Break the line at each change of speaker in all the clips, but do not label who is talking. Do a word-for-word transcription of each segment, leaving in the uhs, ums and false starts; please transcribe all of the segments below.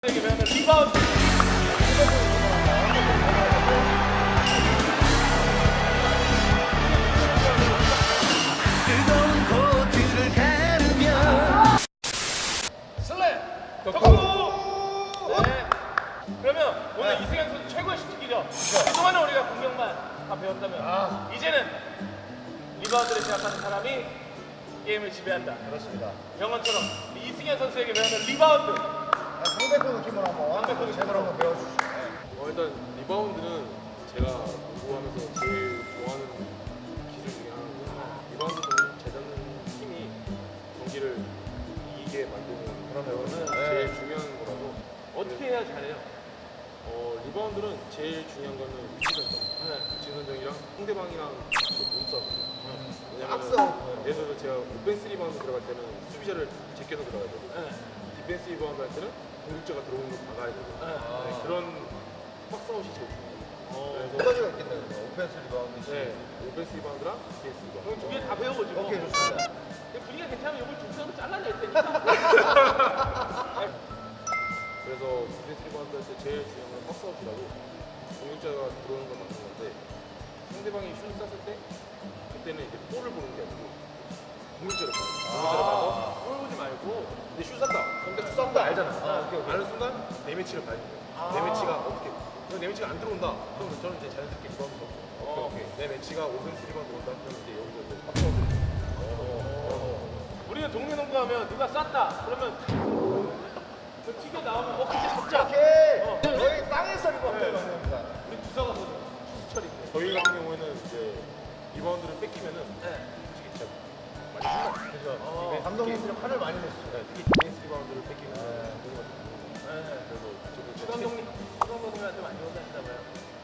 리바운드.
뜨거운 코트를 가르며
슬램. 덕후. 네. 그러면 오늘 이승현 선수 최고의 슈팅이죠. 그동안은 우리가 공격만 다 배웠다면 이제는 리바운드를 제압하는 사람이 게임을 지배한다.
그렇습니다.
영원처럼 이승현 선수에게 배우는 리바운드.
상대편 느낌으로 한번 상대편 제대로 한번 배워주시죠.
어, 일단 리바운드는 제가 농구하면서 제일 좋아하는 기술 중에 하나고 리바운드는 잘 잡는 팀이 경기를 이기게 만드는
그러면은
제일 중요한 거라서
어떻게 해야 잘해요?
어, 리바운드는 제일 중요한 거는 위치 선정 위치 선정이랑 상대방이랑 그 몸싸움이에요. 왜냐면
악수.
예를 들어서 제가 오펜스 리바운드 들어갈 때는 수비자를 제껴서 들어가야 되고
네.
디펜스 리바운드 할 때는 공격자가 들어오는 걸 막아야 되고
네.
네, 그런 박스아웃이 제일 중요해요.
어.
두 가지가 있겠네요. 오펜스 리바운드.
네, 오펜스 리바운드랑 디펜스 리바운드.
그럼 두 개 다 배워보죠.
오케이, 좋습니다.
근데 분위기가 괜찮으면 이걸 중성으로 잘라낼 테니까.
그래서 디펜스 리바운드 할 때 제일 중요한 건 박스아웃이라고 공격자가 들어오는 건 맞는 건데 상대방이 슛을 쐈을 때 그때는 이제 볼을 보는 게 아니고 공격자를 봐요. 공격자를 봐서 볼 보지 말고 근데 슛 쐈다. 근데 슛 쐈다 알잖아.
아, 오케이, 오케이.
아는 순간 내 매치를 봐야 돼요. 내 매치가 어떻게 그럼 내 매치가 안 들어온다. 그럼 저는 이제 자연스럽게 리바운드 넣고 오케이, 오케이. 내 매치가 오펜스 리바운드 온다. 그럼 이제 여기서 이제 박스아웃을
우리는 동네 농구하면 누가 쐈다. 그러면 그 튀겨 나오면 어 그때 잡자.
오케이.
어.
저희 땅에서 리바운드
네.
합니다.
우리 부서가 거든. 수철인데.
저희 같은 경우에는 이제 리바운드를 뺏기면은
네.
솔직히 진짜 많이 신나. 그래서
어.
감독님들이 화를 많이 내시죠.
네, 특히 디펜스 리바운드를 뺏기면 너무 많이
네.
그래서 저도
수 감독님, 수 감독님한테 많이 혼나시나 봐요.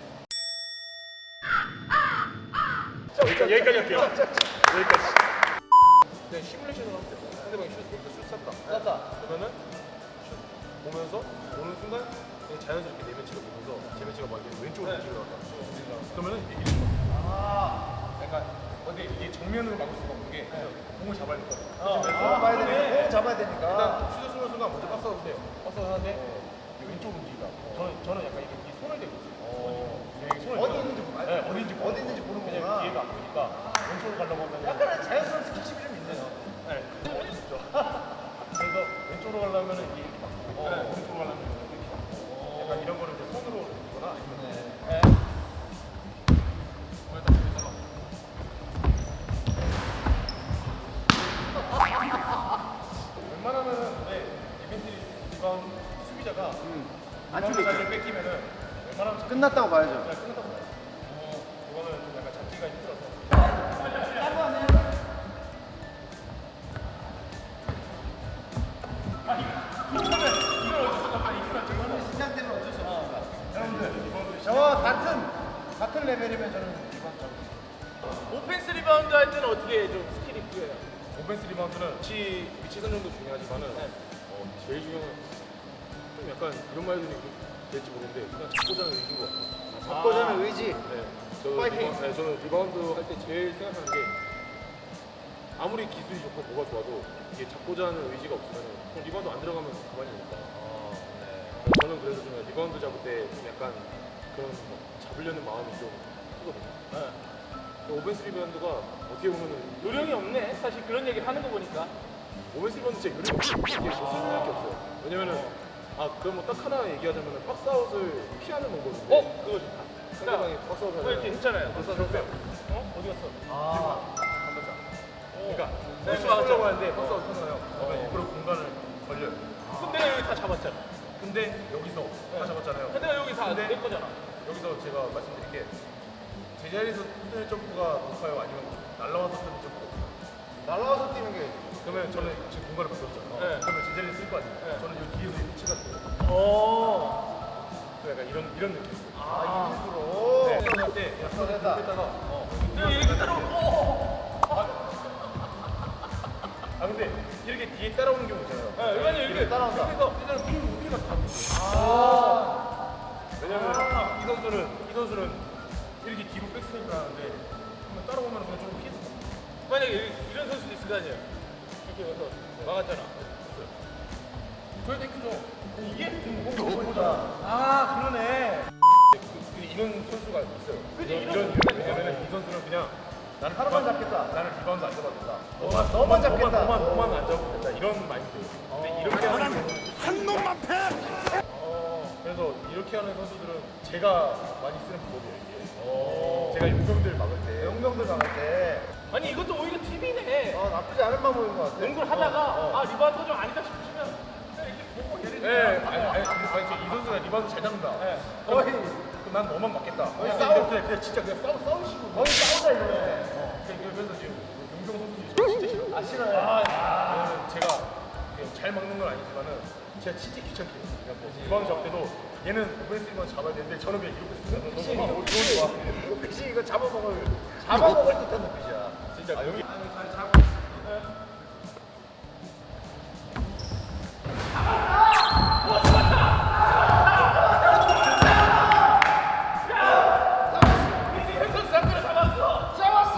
자, 여기까지 할게요. 여기까지. 그냥 시뮬레이션을 하면 돼요. 상대방이 슛, 슛 쐈다.
쐈다.
그러면은 슛 보면서 오는 순간 그냥 자연스럽게 내 매치가 보면서 제 매치가 막 이렇게 왼쪽으로 움직이려 한다. 그러면은 이게 이렇게 아, 약간 근데 이게 정면으로 막을 수가 없는 게 공을 잡아야 될 거예요.
어.
잡아야
그래.
되니까. 공 잡아야 되니까.
일단 슛을 쏘는 순간 먼저 박스아웃 해요. 박스아웃 하는데 이게 왼쪽으로 움직이다. 저는 저는 약간 이게 이 손을 대고 있어요. 여기 손을
어디
대고.
있는지 보고.
네, 어디 있는지
어디 있는지 보는
그냥
거구나.
뒤에가 안 보니까 왼쪽으로 가려고 하면
약간의 자연스러운 스킨십이 좀 있네요.
네, 어렵죠. 그래서 왼쪽으로 가려면 이게 이렇게 막고
네.
오른쪽으로 가려면 이렇게 막고 약간 이런 거를 이제 손으로 이거나 아니면
네.
거기다 붙여서 웬만하면은 근데 디펜스 리바운드 수비자가 리바운드를 뺏기면은 웬만하면 잘
끝났다고 봐야죠.
끝났다고 봐요. 어, 이거는 좀 약간 잡기가 힘들어서.
긴장되면 어쩔 수 없습니다. 여러분들, 저와 같은 같은 레벨이면 저는 리바운드 잡을 수 있어요.
오펜스 리바운드 할 때는 어떻게 해? 좀 스킬이 필요해요.
오펜스 리바운드는 위치, 위치 선정도 중요하지만은
네.
어, 제일 중요한 건 좀 약간 이런 말 들으면 될지 모르는데 그냥 잡고자 하는 의지인 것 같아요.
잡고자 하는 의지.
네, 저는
파이팅!
리바, 네, 저는 리바운드 할 때 제일 생각하는 게 아무리 기술이 좋고 뭐가 좋아도 이게 잡고자 하는 의지가 없으면 그럼 리바운드 안 들어가면 그만이니까. 저는 그래서 좀 리바운드 잡을 때 좀 약간 그런 뭐 잡으려는 마음이 좀 크거든요.
네.
오펜스 리바운드가 어떻게 보면은
요령이 없네. 사실 그런 얘기를 하는 거 보니까.
오펜스 리바운드 진짜 요령이 없어요. 이게 뭐 수밖에 없어요. 왜냐면은 아 그럼 뭐 딱 하나 얘기하자면은 박스아웃을 피하는 방법인데
어, 그거 좋다.
상대방이 박스아웃
뭐 이렇게
하잖아요.
했잖아요.
박스아웃 할 때.
어? 어디 갔어?
아,
그러니까
네,
슛
맞아.
쏘려고 하는데 박스아웃 하잖아요. 그러면 일부러 공간을 벌려요.
그럼 내가 여기 다 잡았잖아.
근데 여기서 다 잡았잖아요.
근데 여기 다
근데
내 거잖아.
여기서 제가 말씀드릴 게 제자리에서 뜨는 점프가 높아요? 아니면 날라와서 뜨는 점프가 높아요?
날라와서 뛰는 게
그러면 저는 지금 공간을 만들었잖아요.
네.
그러면 제자리에 쓸 거 아니에요?
네.
저는 이 뒤에서 이렇게 치가 돼요.
오.
그 약간 이런 이런 느낌.
아, 일부러.
네. 싸울 때 그냥
어, 됐다.
했다가 어.
내가 이렇게 따라오고.
아 근데 이렇게 뒤에 따라오는 경우 있잖아요.
네, 왜냐면 이렇게
따라온다.
그래서
일단 핑 우리가 다
아.
왜냐면 이 선수는 이 선수는 이렇게 뒤로 백스텝을 하는데 한번 따라오면 그냥 좀 피해서
만약에 이- 이런 선수도 있을 거 아니에요. 이렇게 와서 막았잖아.
저희 땡큐죠.
이게?
아 그러네.
그 이런 선수가 있어요.
그치,
이런
이런
이런 이런 왜냐면 이 선수는 그냥 나는
하나만
리바운드-
잡겠다.
나는 리바운드 안 잡아도 된다.
너만 너만 잡겠다.
너만 너만 안 잡으면 된다. 이런 마인드. 근데 이렇게 하는 한 놈만 패. 어, 그래서 이렇게 하는 선수들은 제가 많이 쓰는 방법이에요. 이게. 제가 용병들 막을 때.
영병들 나갈 때.
아니 이것도 오히려 팁이네.
어 나쁘지 않은 방법인 것 같아.
농구를 하다가
어, 어.
아 리바운드 좀 아니다 싶으시면 그냥 이렇게 보고 예를
네,
들면
아니, 아니, 아니, 아니, 이 선수가 리바운드 잘 잡는다.
네.
거의 그럼 난 너만 맞겠다.
거의
그냥
싸워.
이렇게 그냥 진짜 그냥 싸우 싸우는 식으로.
거의 싸우자 이거네.
어, 그래서 지금 용병 선수들이 저 진짜 싫어.
아 싫어요.
왜냐면 제가 그냥 잘 막는 건 아니지만은 제가 진짜 귀찮게 해요. 그냥 뭐 리바운드 잡을 때도 얘는 오펜스 리바운드 잡아야 되는데 저는 그냥 이러고 있어요.
픽싱
너무
이거
너무 좋아.
이거 픽싱 이거 잡아먹을 잡아먹을 듯한 눈빛이야.
진짜 여기
선수 상대를 잡았어.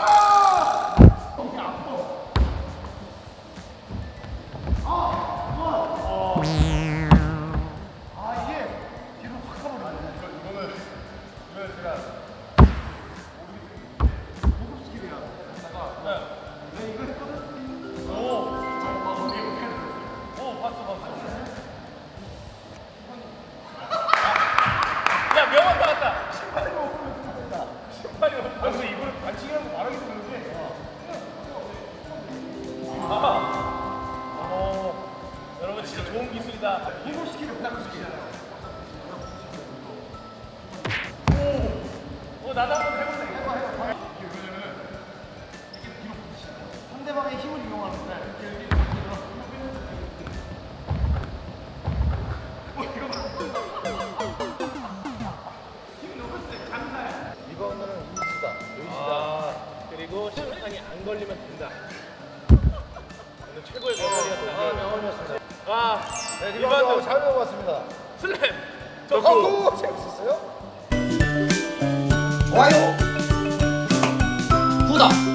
아 이게 뒤로 확 가버리네.
이거는 이거는 제가
고급 스킬이야. 내가 이거 했거든.
오 봤어 봤어. 야 명언 나왔다.
신발이 먹으면 된다.
신발이 없
아, 그래서 이거를 반칙이라고 말하기도 그런데
어, 여러분 진짜 좋은 기술이다.
고급 스킬이 고급 스킬이야.
어 나도 한번 해볼래.
해봐 해봐. 상대방의 힘을 이용하는데. 리바운드는 인지다.
아 그리고 심판이 안 걸리면 된다. 오늘 최고의
아,
명언이었다.
명언이었습니다.
아
네, 리바운드
리바운드
잘 배워봤습니다.
슬램.
어, 재밌었어요?
좋아요 구독